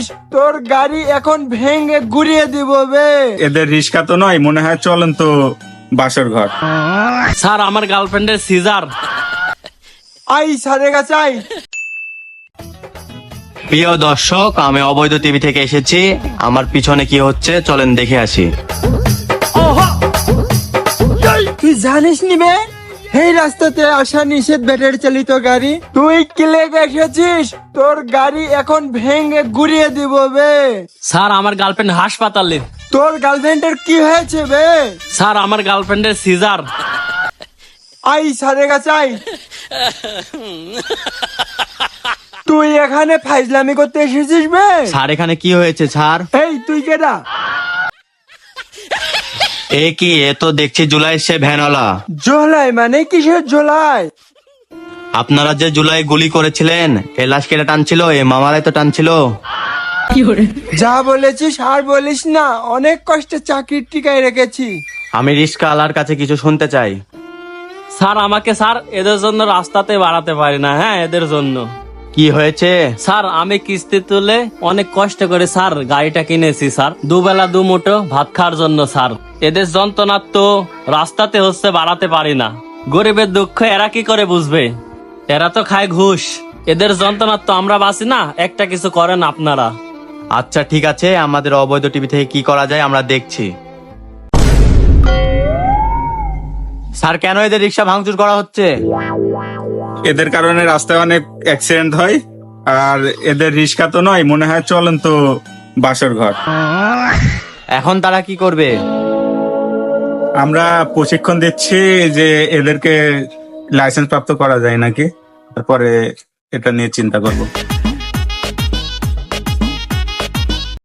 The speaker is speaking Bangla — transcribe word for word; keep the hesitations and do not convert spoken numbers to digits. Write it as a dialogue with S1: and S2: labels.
S1: তোর গাড়ি এখন ভেঙে গুড়িয়ে দিব বে।
S2: এদের রিস্কা তো নয়, মনে হয় চলেন তো বাসর ঘর।
S3: স্যার আমার গার্লফ্রেন্ডের সিজার।
S1: আই স্যারের কাছে আই।
S4: প্রিয় দর্শক, আমি অবৈধ টিভি থেকে এসেছি। আমার পিছনে কি হচ্ছে চলেন দেখে আসি।
S1: তুই জানিস নি বে, এই রাস্তাতে আসা নিষেধ ব্যাটারি চালিত গাড়ি। তুই কিলে এসেছিস, তোর গাড়ি এখন ভেঙে গুড়িয়ে দিব বে।
S3: স্যার আমার গার্লফ্রেন্ড হাসপাতালে।
S1: তোর গার্লফ্রেন্ডের কি হয়েছে বে?
S3: স্যার আমার গার্লফ্রেন্ডের সিজার।
S1: আই স্যারের কাছে আই। তুই এখানে ফাইজলামি করতে এসেছিস বে?
S4: স্যার এখানে কি হয়েছে স্যার?
S1: এই তুই কেডা?
S4: এ কি, এ তো দেখছি জুলাই সে ভ্যানওয়ালা।
S1: জোলাই মানে কিসের জোলাই?
S4: আপনারা যে জুলাই গুলি করেছিলেন, এ লাশ কেটে টানছিল, এ মামারাই তো টানছিল।
S1: যা বলেছিস আর বলিস না, অনেক কষ্টে চাকরির টিকায় রেখেছি।
S4: আমি রিস্কা আলার কাছে কিছু শুনতে চাই।
S3: স্যার আমাকে স্যার এদের জন্য রাস্তাতে বাড়াতে পারি না। হ্যাঁ এদের জন্য।
S4: কি হয়েছে?
S3: স্যার আমি কিস্তি তুলে অনেক কষ্ট করে স্যার গাড়িটা কিনেছি স্যার, দুবেলা দু মুঠো ভাত খাওয়ার জন্য স্যার। এদের যন্ত্রণা তো রাস্তাতে হচ্ছে বাড়াতে পারি না। গরিবের দুঃখ এরা কি করে বুঝবে? এরা তো খায় ঘুষ। এদের যন্ত্রণা তো আমরা বাঁচি না, একটা কিছু করেন আপনারা।
S4: আচ্ছা ঠিক আছে, আমাদের অবৈধ টিভি থেকে কি করা যায় আমরা দেখছি। স্যার কেন এদের রিক্সা ভাঙচুর করা হচ্ছে?
S2: এদের কারণে রাস্তায় অনেক অ্যাক্সিডেন্ট হয়, আর এদের রিস্কা তো নয়, মনে হয় চলেন তো বাসর ঘর।
S4: এখন তারা কি করবে?
S2: আমরা প্রশিক্ষণ দিচ্ছি যে এদেরকে লাইসেন্স প্রাপ্ত করা যায় নাকি, তারপরে এটা নিয়ে চিন্তা করব।